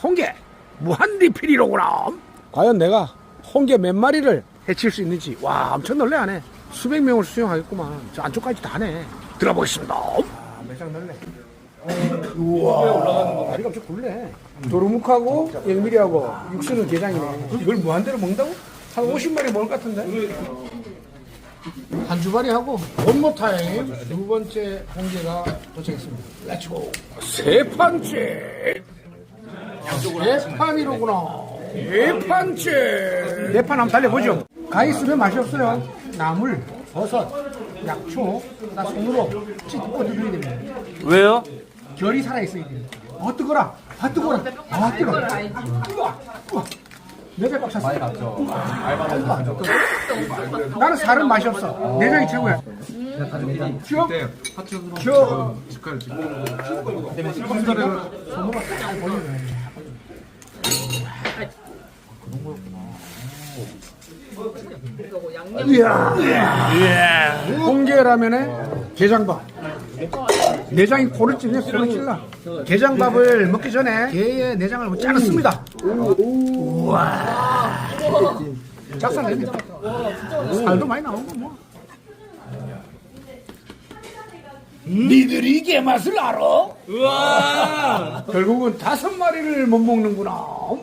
홍게 무한 리필이로구나. 과연 내가 홍게 몇 마리를 해칠 수 있는지. 와, 엄청 놀래하네. 수백 명을 수용하겠구만. 저 안쪽까지 다 하네. 들어보겠습니다. 매장 넓네. 우와, 다리가 엄청 굵네. 도루묵하고 영미리하고 육수는 게장이네. 이걸 무한대로 먹는다고? 한 50마리 먹을 것 같은데? 한 주발이 하고 원모타임 두 번째 홍게가 도착했습니다. 렛츠고. 세 판째. 네 판이로구나. 네 판째. 네 판 한번 달려보죠. 가 있으면 맛이 없어요. 나물, 버섯, 약초, 나 손으로 찢고 드셔야 됩니다. 왜요? 결이 살아있어야 돼요. 뜨거라. 뜨거라. 뜨거워. 뜨거워. 내배 꽉 찼어. 많이 갔죠. 나는 살은 맛이 없어. 내장이 최고야. 쭉. 쭉. 손으로 딱 보이네. 이야. 홍게라면에 게장밥. 내장이 코를 찔려 소리 찔러. 게장밥을 먹기 전에 게의 내장을 짜냈습니다. 우와. 짝살 냅니다. 살도 많이 나오고 뭐. 니들이 게 맛을 알아? 우와! 결국은 5마리를 못 먹는구나.